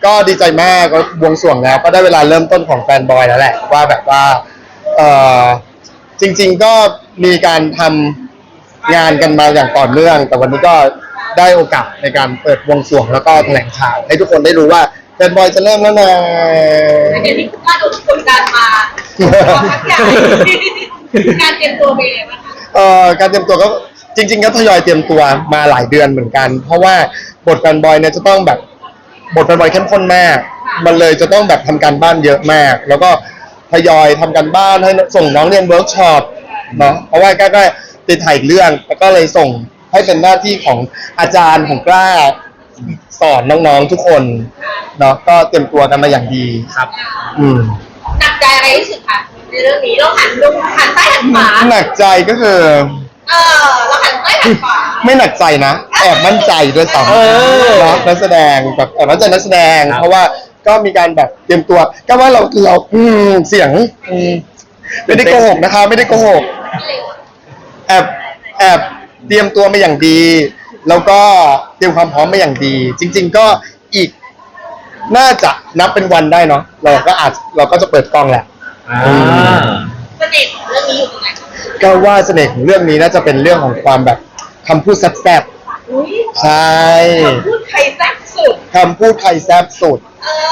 ก็ดีใจมากก็บวงสรวงแล้วก็ได้เวลาเริ่มต้นของแฟนบอยแล้วแหละว่าแบบว่าจริงๆก็มีการทำงานกันมาอย่างต่อเนื่องแต่วันนี้ก็ได้โอกาสในการเปิดบวงสรวงแล้วก็แถลงข่าวให้ทุกคนได้รู้ว่าแฟนบอยจะเริ่มแล้วนะเดี๋ยวนี้ก็โดนกดดันมาพักใหญ่การเตรียมตัวเป็นยังไงบ้างคะการเตรียมตัวก็จริงๆก็ทยอยเตรียมตัวมาหลายเดือนเหมือนกันเพราะว่าบทแฟนบอยเนี่ยจะต้องแบบบทแฟนบอยเข้มข้นมากมันเลยจะต้องแบบทำการบ้านเยอะมากแล้วก็ทยอยทำการบ้านให้ส่งน้องเรียนเวิร์กช็อปเนาะเพราะว่าก็ติดถ่ายเรื่องแล้วก็เลยส่งให้เป็นหน้าที่ของอาจารย์ของกล้าสอนน้องๆทุกคนเนาะก็เตรียมตัวกันมาอย่างดีครับหนักใจอะไรที่สุดคะในเรื่องนี้เราหันซ้ายหันขวาหนักใจก็คือเราหันซ้ายหันขวาไม่หนักใจนะแอบมั่นใจด้วยซ้ำเนาะนักแสดงแบบแอบมั่นใจนักแสดงเพราะว่าก็มีการแบบเตรียมตัวก็ว่าเราเสียงไม่ได้โกหกนะคะไม่ได้โกหกแอบเตรียมตัวมาอย่างดีแล้วก็เตรียมความพร้อมมาอย่างดีจริงๆก็อีกน่าจะนับเป็นวันได้เนาะเราก็จะเปิดกล้องแหละเสน่ห์ของเรื่องนี้อยู่ตรงไหนก็ว่าเสน่ห์ของเรื่องนี้น่าจะเป็นเรื่องของความแบบคำพูดแซ่บๆใช่คำพูดใครแซ่บสุดคำพูดใครแซ่บสุด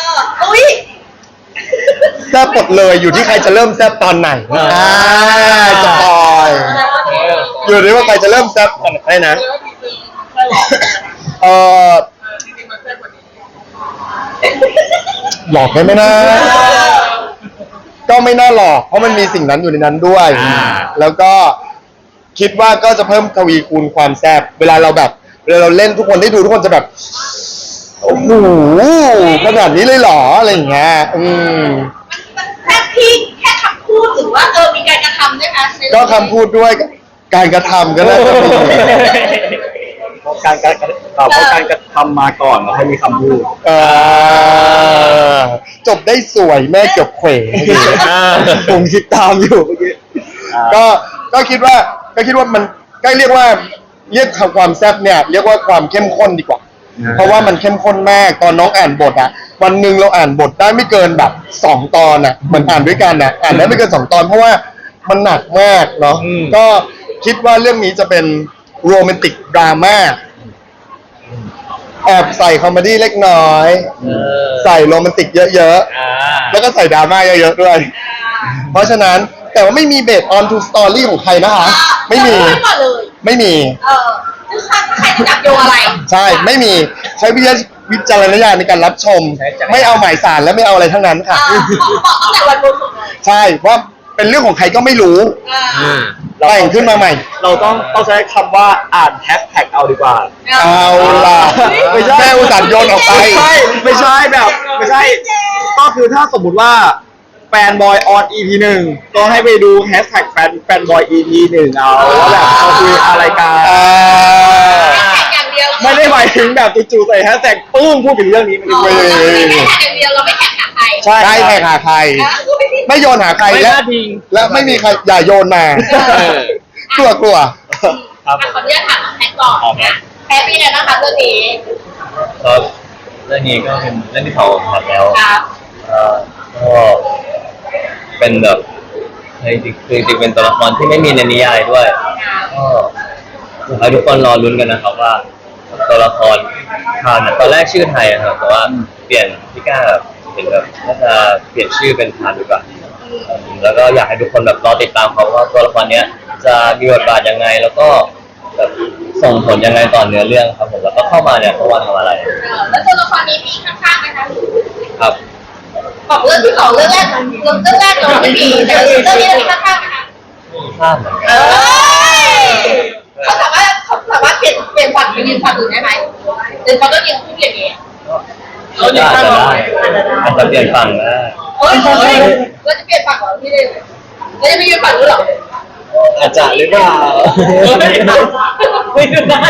แซ่บหมดเลยอยู่ที่ใครจะเริ่มแซ่บตอนไหนจะปล่อยอยู่ที่ว่าใครจะเริ่มแซ่บตอนไหนนะหลอกไหมนะก็ไม่น่าหลอกเพราะมันมีสิ่งนั้นอยู่ในนั้นด้วยแล้วก็คิดว่าก็จะเพิ่มทวีคูณความแซ่บเวลาเราเล่นทุกคนได้ดูทุกคนจะแบบโอ้โหขนาดนี้เลยเหรออะไรอย่างเงี้ยมันแซ่บที่แค่คำพูดหรือว่ามีการกระทำด้วยคะก็คำพูดด้วยการกระทำก็ได้การกระทำมาก่อนแล้วให้มีคำพูดจบได้สวยแม่จบเขวผมคิดตามอยู่เมื่อกี้ก็คิดว่ามันก็เรียกความแซ่บเนี่ยเรียกว่าความเข้มข้นดีกว่าเพราะว่ามันเข้มข้นมากตอนน้องอ่านบทอ่ะวันหนึ่งเราอ่านบทได้ไม่เกินแบบ2 ตอนอ่ะมันอ่านด้วยกันอ่ะอ่านได้ไม่เกิน2 ตอนเพราะว่ามันหนักมากเนาะก็คิดว่าเรื่องนี้จะเป็นโรแมนติกดราม่าแอบใส่คอมเมดี้เล็กน้อยใส่โรแมนติกเยอะๆแล้วก็ใส่ดราม่าเยอะๆด้วยเพราะฉะนั้นแต่ว่าไม่มีเบสออนทูสตอรี่ของใครนะคะไม่มีคือใครจะจับโยอะไรใช่ไม่มีใช้วิจารณญาณในการรับชมไม่เอาหมายสารและไม่เอาอะไรทั้งนั้นค่ะตั้งแต่วันบวงสรวงใช่เพราะเป็นเรื่องของใครก็ไม่รู้แต่งขึ้นมาใหม่เราต้องใช้คำว่าอ่านแฮชแท็กเอาดีกว่าเอาล่ะแม่อุตส่าห์โยนออกไปไม่ใช่ก็คือถ้าสมมุติว่าแฟนบอยออน EP 1ก็ให้ไปดูแฮชแท็กแฟนบอย EP 1เอาว่าแบบเขาคุยอะไรกันไม่ได้หมายถึงแบบจู่ๆใส่แฮชแท็กปึ้งพูดถึงเรื่องนี้มันไม่ได้แข่งอย่างเดียวเราไม่แข่งหาใครใช่แข่งหาใครไม่โยนหาใครแล้วไม่มีใครอย่าโยนมากลัวขออนุญาตถามน้องแพ็คก่อนนะแพ็คเป็นไงบ้างคะเรื่องนี้เรื่องนี้ก็เป็นเรื่องที่เขาทำแล้วก็เป็นแบบจริงเป็นตัวละครที่ไม่มีในนิยายด้วยก็ให้ทุกคนรอลุ้นกันนะครับว่าตัวละครคราวนั้นตอนแรกชื่อไทยครับแต่ว่าเปลี่ยนพี่ก้าเห็นแบบน่าจะเปลี่ยนชื่อเป็นพานดีกว่าแล้วก็อยากให้ทุกคนแบบรอติดตามเขาว่าตัวละครเนี้ยจะมีบทบาทยังไงแล้วก็แบบส่งผลยังไงต่อเนื้อเรื่องครับผมแล้วก็เข้ามาเนี่ยเพราะว่าทำอะไรแล้วตัวละครนี้มีข้างๆไหมคะครับบอกเรื่องที่2เรื่องแรกเราไม่มีแต่เรื่องนี้มีข้างๆไหมคะข้างเหมือนกันเขาสามารถเปลี่ยนฝั่งไปยืนฝั่งอื่นได้ไหมหรือเขาต้องยืนคู่อย่างนี้อาจจะเปลี่ยนฝั่งนะเราจะเปลี่ยนฝั่งเหรอพี่เดชเราจะไปยืนฝั่งนู้นหรออาจจะหรือเปล่าไม่ดูนะ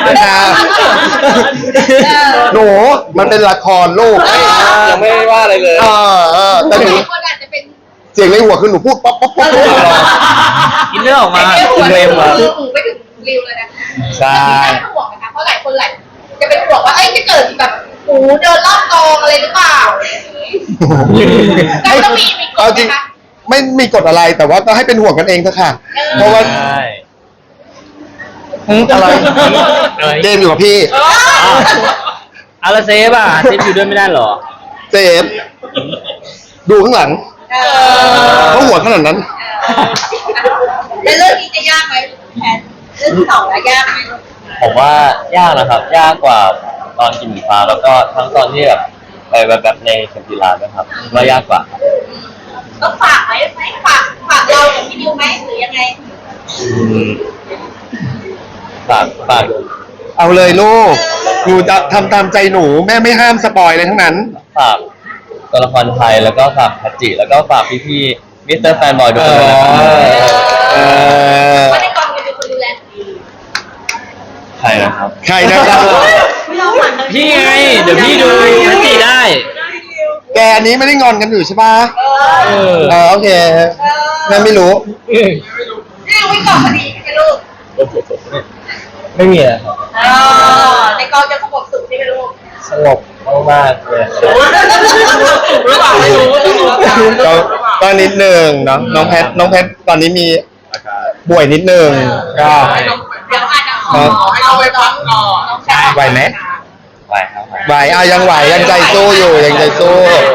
หนูมันเป็นละครลูกยังไม่ว่าอะไรเลยแต่หนูคนอาจจะเป็นเสียงในหัวคือหนูพูดป๊อปกินเรื่องออกมาเร็วไม่ถึงริวเลยนะใช่ห่วงนะคะเพราะหลายคนจะเป็นห่วงว่าจะเกิดแบบหมูเดินรอบกองอะไรหรือเปล่าก็ต้องมีกเอาฎจริงนะคะไม่มีกฎอะไรแต่ว่าก็ให้เป็นห่วงกันเองเถอะค่ะ เพราะว่าใช่อะไรเจมส์อยู่กับพี่อาราเซฟอ่ะเซฟอยู่ด้วยไม่ได้เหรอเจมส์ดูข้างหลังเขาหัวขนาดนั้นในเรื่องนี้จะยากไหมแพนเรื่องที่สองแล้วยากไหมผมว่ายากนะครับ ยากกว่าตอนกินหมูฟ้าแล้วก็ทั้งตอนที่แบบไปแบบในเข็มกีฬาด้วยครับว่ายากกว่าต้องฝากไหมฝากเราอย่างพี่ดิวไหมหรือยังไงฝากดูเอาเลยลูกหนูจะทำตามใจหนูแม่ไม่ห้ามสปอยเลยทั้งนั้นฝากตัวละครไทยแล้วก็ฝากพัจจิแล้วก็ฝากพี่ๆมิสเตอร์แฟนบอยทุกคนด้วยนะครับเพราะในกองจะเป็นคนดูแลดีใครนะครับใครนะครับพี่ไง เดี๋ยวพี่ดูนันจีได้แกอันนี้ไม่ได้งอนกันอยู่ใช่ปะเออโอเคแม่ไม่รู้นี่วิ่งก่อนพอดีใช่ไหมลูกไม่มีอะครับในกองจะสงบสุขใช่ไหมลูกสงบมากๆเลยหรือเปล่าไม่รู้ก็นิดนึงเนาะน้องแพทตอนนี้มีป่วยนิดนึงก็เดี๋ยวอาจจะขอให้เราไปพักก่อนไหวไหมไหวครับไหวยังไหวยังใจสู้อยู่ยังใจสู้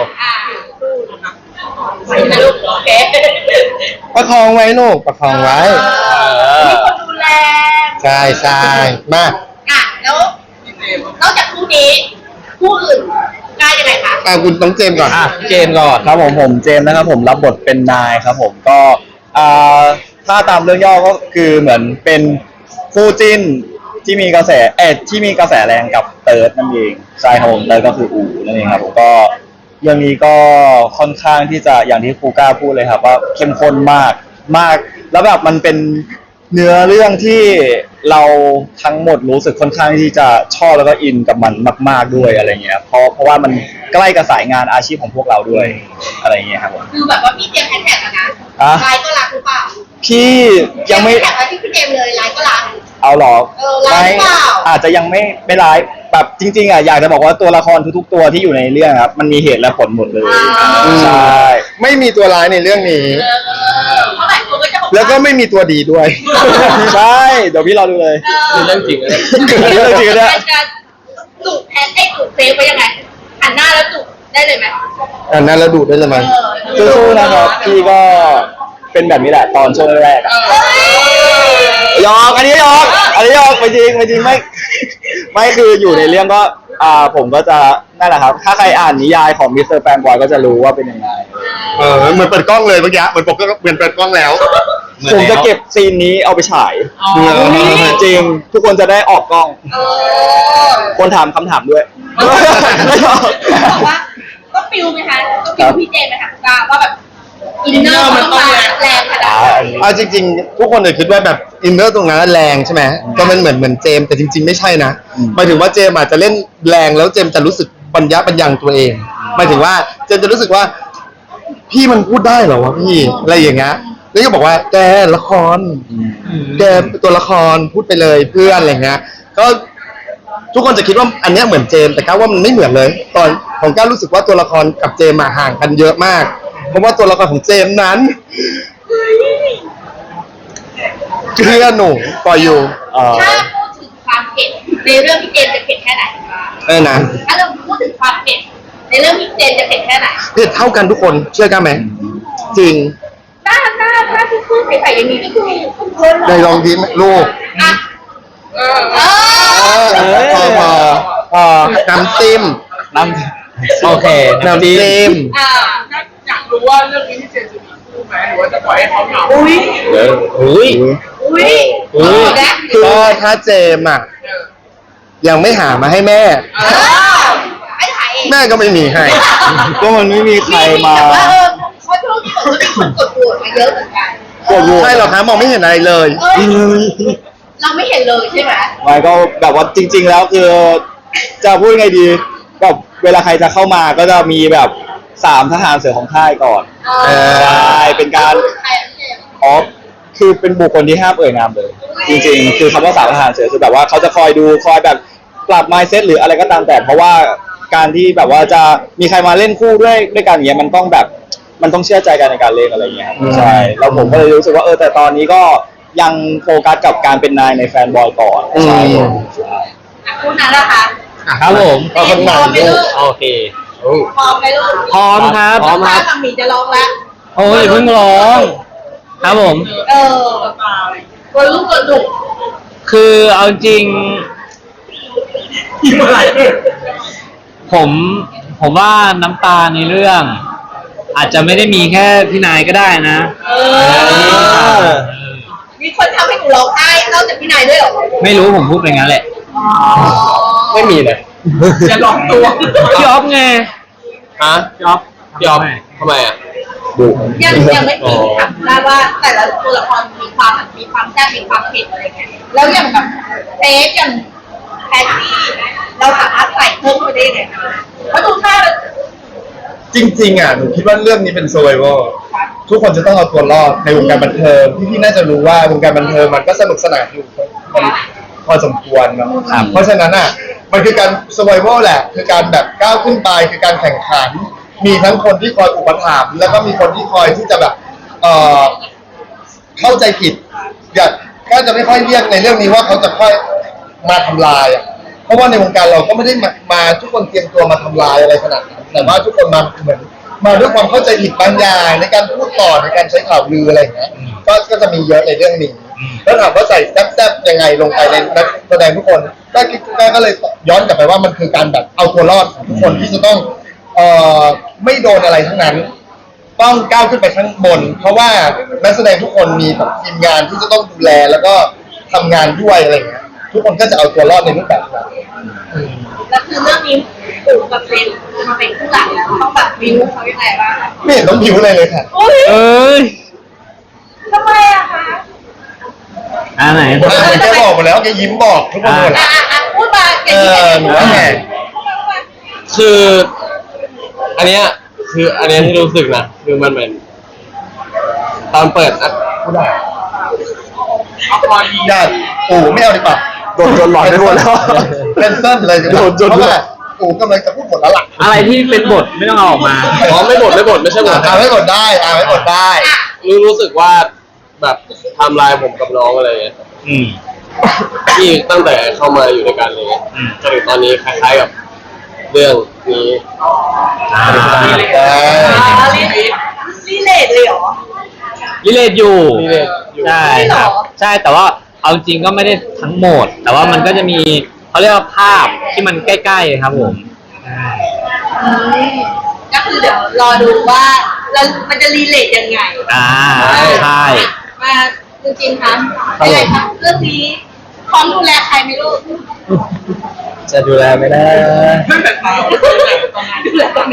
สู้นะลูกโอเคประคองไว้ลูกประคองไว้มีคนดูแลใช่มาแล้วนอกจากคู่นี้คู่อื่นกล้ายังไงคะคุณต้องเจมส์ก่อนอ่ะเจมส์ก่อนครับผมเจมส์นะครับผมรับบทเป็นนายครับผมก็ถ้าตามเรื่องย่อก็คือเหมือนเป็นคู่จิ้นที่มีกระแสที่มีกระแสแรงกับเติร์ดนั่นเองใช่ครับผมเติร์ดก็คืออูนั่นเองครับผมก็เรื่องนี้ก็ค่อนข้างที่จะอย่างที่ครูก้าพูดเลยครับว่าเข้มข้นมากแล้วแบบมันเป็นเนื้อเรื่องที่เราทั้งหมดรู้สึกค่อนข้างที่จะชอบแล้วก็อินกับมันมากๆด้วยอะไรเงี้ยเพราะว่ามันใกล้กับสายงานอาชีพของพวกเราด้วยอะไรเงี้ยครับผมคือแบบว่าพี่เจมส์แฮชแท็กแล้วนะไลน์ก็รักหรือเปล่าพี่ยังไม่แฮชแท็กไว้ที่พี่เจมส์เลยไลน์ก็รักเอาหรอไลฟ์เปล่าอาจจะยังไม่ไลฟ์แบบจริงๆอ่ะอยากจะบอกว่าตัวละครทุกๆตัวที่อยู่ในเรื่องครับมันมีเหตุและผลหมดเลยใช่ไม่มีตัวร้ายในเรื่องนี้เพราะหลายคนก็จะบอกแล้วก็ไม่มีตัวดีด้วยใช่เดี๋ยวพี่รอดูเลยเรื่องจริงเลยเรื่องจริงนะจะจุดแทนได้จุดเซฟไปยังไงหันหน้าแล้วจุดได้เลยไหมอันนั้นแล้วดูดได้เลยไหมสู้ๆนะครับพี่ก็เป็นแบบนี้แหละตอนช่วงแรกๆอะหยอกอันนี้หยอกไม่จริงไม่คืออยู่ในเรื่องก็ผมก็จะนั่นแหละครับ ถ้าใครอ่านนิยายของมิสเตอร์แฟนบอยก็จะรู้ว่าเป็นยังไงเหมือนเปิดกล้องเลยเมื่อกี้เหมือนเปิดกล้องแล้วผมจะเก็บซีนนี้เอาไปฉายจริงทุกคนจะได้ออกกล้อง คนถามคำถามด้วยบอกว่าก็ฟิลไหมคะก็ฟิลพี่เจมส์ไหมคะว่าแบบอินเนอร์มันต้องแรงขนาดไหนเอาจริงๆ ทุกคนเลยคิดว่าแบบอินเนอร์ตรงนั้นแรงใช่ไหมก็มันเหมือนเจมส์แต่จริงๆไม่ใช่นะหมายถึงว่าเจมส์อาจจะเล่นแรงแล้วเจมส์จะรู้สึกปัญญาตัวเองหมายถึงว่าเจมส์จะรู้สึกว่า พี่มันพูดได้เหรอวะพี่อะไรอย่างเงี้ยแล้วก็บอกว่าแกละครแกตัวละครพูดไปเลยเพื่อนอะไรเงี้ยก็ทุกคนจะคิดว่าอันเนี้ยเหมือนเจมส์แต่ก้าวว่ามันไม่เหมือนเลย ตอนของก้าวรู้สึกว่าตัวละครกับเจมส์มาห่างกันเยอะมากเพราะว่าตัวละครของเจมส์นั้นเชื่อหนูปล่อยอยู่ถ้าพูดถึงความเผ็ดในเรื่องพี่เจมส์จะเผ็ดแค่ไหนนะถ้าเราพูดถึงความเผ็ดในเรื่องพี่เจมส์จะเผ็ดแค่ไหนเผ็ดเท่ากันทุกคนเชื่อกันไหมจริงหน้าที่พูดใส่อย่างนี้ก็คือคุณเพลินในลองยิ้มลูกอ่ะพอน้ำจิ้มน้ำโอเคน้ำจิ้มอยากรู้ว่าเรื่องนี้ที่เจนจะมีคู่ไหมหรือว่าจะปล่อยให้เขาเหงาอุ้ยอุ้ยนะก็ถ้าเจมอ่ะยังไม่หามาให้แม่ไอ้ถ่ายเองแม่ก็ไม่มีให้ก็มันไม่มีใครมาแต่ว่าเขาช่วงนี้บอกว่ามีคนกดโหวตมาเยอะเหมือนกันใช่หรอคะมองไม่เห็นอะไรเลยเราไม่เห็นเลยใช่ไหมไม่ก็แบบว่าจริง ๆ แล้วคือจะพูดไงดีแบบเวลาใครจะเข้ามาก็จะมีแบบ3ทหารเสือของค่ายก่อนใช่เป็นการใครพี่เจมส์อ๋อคือเป็นบุคคลที่ห้ามเอ่ยนามเลย จริงๆ คือคำว่า3ทหารเสือคือแบบว่าเขาจะคอยดูคอยแบบปรับ mindset หรืออะไรก็ตามแต่เพราะว่าการที่แบบว่าจะมีใครมาเล่นคู่ด้วยกันอย่างเงี้ยมันต้องแบบมันต้องเชื่อใจกันในการเล่นอะไรอย่างเงี้ยครับใช่แล้วผมก็เลยรู้สึกว่าแต่ตอนนี้ก็ยังโฟกัสกับการเป็นนายในแฟนบอยก่อนใช่ผมใช่คุณนั้นล่ะคะครับผมก็คนหนังไม่ลูลูกกโอเคพร้อมไหมลูกพร้อมครับพร้อมครับกับหมีจะร้องแล้วโอ้ยเพิ่งร้อง ครับผมตัวลูกตัวดุคือเอาจริงยิ้มอะไรผมว่าน้ำตาในเรื่อง อาจจะไม่ได้มีแค่พี่นายก็ได้นะมีคนทำให้หนูร้องไห้นอกจากพี่นายด้วยเหรอไม่รู้ผมพูดไปงั้นแหละไม่มีเลยจะหลอกตัวพี่ออฟไงฮะพี่ออฟยอมทำไมอ่ะยังไม่มีถามได้ว่าแต่ละตัวละครมีความแซ่บมีความเผ็ดอะไรเงี้ยแล้วอย่างแบบเทสอย่างแพทตี้เราสามารถใส่เพิ่มไปได้ยังไงเพราะดูท่าแล้วจริงๆอ่ะหนูคิดว่าเรื่องนี้เป็น survival ทุกคนจะต้องเอาตัวรอดในวงการบันเทิงพี่ๆน่าจะรู้ว่าวงการบันเทิงมันก็สนุกสนานอยู่มันพอสมควรเนาะเพราะฉะนั้นอ่ะมันคือการ survival แหละคือการแบบก้าวขึ้นไปคือการแข่งขัน มีทั้งคนที่คอยอุปถัมภ์แล้วก็มีคนที่คอยที่จะแบบเข้าใจผิดอยากก็จะไม่ค่อยเรียกในเรื่องนี้ว่าเขาจะค่อยมาทำลายอ่ะเพราะว่าในวงการเราก็ไม่ได้มาทุกคนเตรียมตัวมาทำลายอะไรขนาดนั้นแต่ว่าทุกคนมาเหมือนมาด้วยความเข้าใจผิดบางอย่างในการพูดต่อในการใช้ข่าวลืออะไรอย่างเงี้ยก็จะมีเยอะในเรื่องนี้แล้วถามว่าใส่แซ่บๆยังไงลงไปในนักแสดงทุกคนก็เลยย้อนกลับไปว่ามันคือการแบบเอาตัวรอดของทุกคนที่จะต้องไม่โดนอะไรทั้งนั้นต้องก้าวขึ้นไปข้างบน เพราะว่านักแสดงทุกคนมีแบบทีมงานที่จะต้องดูแลแล้วก็ทำงานด้วยอะไรอย่างเงี้ยทุกคนก็จะเอาตัวรอดในรูปแบบนั้นแล้วคือเรื่องนี้ปู่กับเซนมาเป็นคู่หลักแล้วต้องแบบวิวเขายังไงบ้างไม่เห็นต้องผิวเลยค่ะอุ้ยเอ้ยทำไมอะคะไหนแกบอกหมดแล้วแกยิ้มบอกทุกคนหมดแล้วพูดมาเก่งหนูว่าไงคืออันเนี้ยที่รู้สึกนะคือมันเหมือนตอนเปิดนะไม่ได้เอาพอดีญาติปู่ไม่เอาดีกว่าโดนจนหลอนไปหมดแล้วเป็นเส้นเลยโดนจนเพราะว่าปู่กำลังจะพูดหมดแล้วล่ะอะไรที่เป็นบทไม่ต้องเอาออกมาอ๋อไม่หมดไม่ใช่หมดไม่หมดได้ไม่หมดได้รู้สึกว่าแบบไทำลายผมกับน้องอะไรเงี้ยอืมที่ตั้งแต่เข้ามาอยู่ในการเลยจนถึงตอนนี้คล้ายๆกับเรื่องนี้รีเลทเลยเหรอรีเลทอยู่ relate อยู่ใช่ครับ ใช่แต่ว่าเอาจริงก็ไม่ได้ทั้งหมด แต่ว่ามันก็จะมีเขาเรียกว่าภาพที่มันใกล้ๆครับผมก็คือเดี๋ยวรอดูว่าแล้วมันจะรีเลทยังไงใช่มาจริงๆคะยังไงคะเรื่องนี้พร้อมดูแลใครไหมลูกจะดูแลไม่ได้ตั้งแต่เช้าดูแลตอนนี้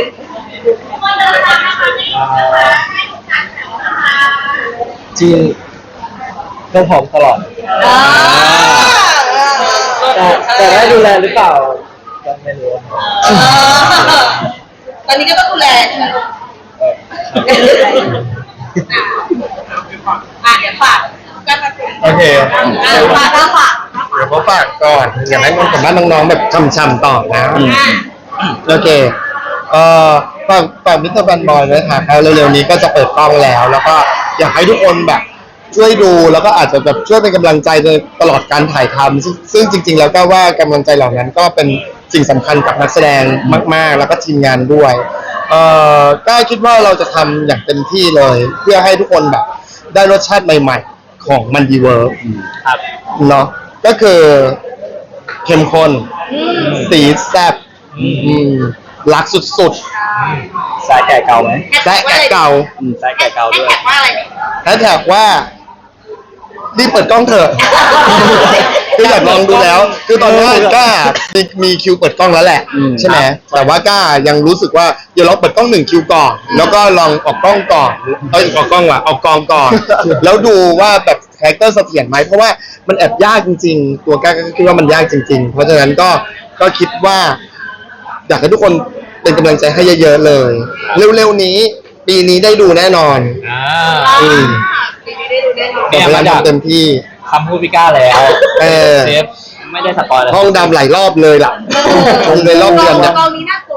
จริงก็พร้อมตลอด แต่ได้ดูแลหรือเปล่าก็ไม่รู้ครับตอนนี้ก็ต้องดูแลใช่ไหมลูกเดี๋ยวฝากก็มาคุยโอเคฝากเดี๋ยวเขาฝากก่อนอยากให้น้องกับบ้านน้องๆแบบช่ำๆต่อนะโอเคฝากมิสเตอร์แฟนบอยไว้ค่ะเร็วๆนี้ก็จะเปิดกล้องแล้ว แล้วก็อยากให้ทุกคนแบบช่วยดูแล้วก็อาจจะแบบช่วยเป็นกำลังใจในตลอดการถ่ายทำซึ่งจริงๆแล้วก็ว่ากำลังใจเหล่านั้นก็เป็นสิ่งสำคัญกับนักแสดงมากๆ แล้วก็ทีมงานด้วยก็คิดว่าเราจะทำอย่างเต็มที่เลย เพื่อให้ทุกคนแบบได้รสชาติใหม่ๆของมันดีเวิร์กครับเนาะก็คือเข้มข้นสีแซ่บรักสุดสายแก่เก่าไหมๆและแกะเก่าสายแก่เก่าด้วยแท็กว่าอะไรเนี่ยแฮชแท็กว่ารีบเปิดกล้องเถอะคืออยากลองดูแล้ว คือตอนนี้ก้ามีคิวเปิดกล้องแล้วแหละใช่ไหมแต่ว่าก้ายังรู้สึกว่าเดี๋ยวเราเปิดกล้อง1คิวก่อนแล้วก็ลองออกกล้องก่อนออกกล้องว่ะออกกองก่อน แล้วดูว่าแบบคาแรคเตอร์เสถียรไหมเพราะว่ามันแอบยากจริงๆ ตัวก้าก็คิดว่ามันยากจริงๆ เพราะฉะนั้นก็คิดว่า อยากให้ทุกคนเป็นกำลังใจให้เยอะๆเลย เร็วๆนี้ ปีนี้ได้ดูแน่นอนปีนี้ได้ดูแน่นอนพยายามทำเต็มที่คำพูดพี่ก้าแล้วเออเซฟไม่ได้สปอยล์แล้วห้องดำหลายรอบเลยล่ะคงเลยรอบเดือนเนี่ยกองนี้น่ากลัว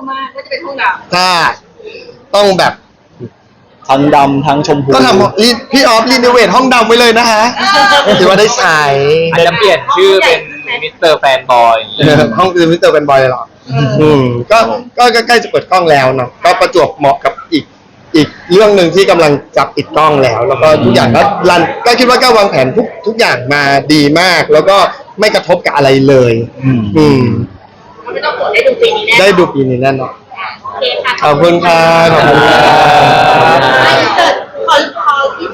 มากว่าจะเป็นห้องดถ้าต้องแบบทั้งดำทั้งชมพูก็ทำพี่ออฟรีโนเวทห้องดำไว้เลยนะฮะถือว่าได้ใช้อาจจะเปลี่ยนชื่อเป็นมิสเตอร์แฟนบอยห้องคือมิสเตอร์เป็นบอยเลยเหรอก็ใกล้จะเปิดกล้องแล้วเนาะก็ประจวบเหมาะกับอีกเรื่องหนึ่งที่กำลังจะปิดกล้องแล้ว แล้วก็ทุกอย่างก็รันก็คิดว่าก็วางแผนทุกอย่างมาดีมาก แล้วก็ไม่กระทบกับอะไรเลย อืมำเขาไม่ต้องกดได้ดูปีนี้แน่ได้ดูปีนี้แน่นอนโอเคค่ะขอบคุณค่ะขอบคุณค่ะไม่เกิด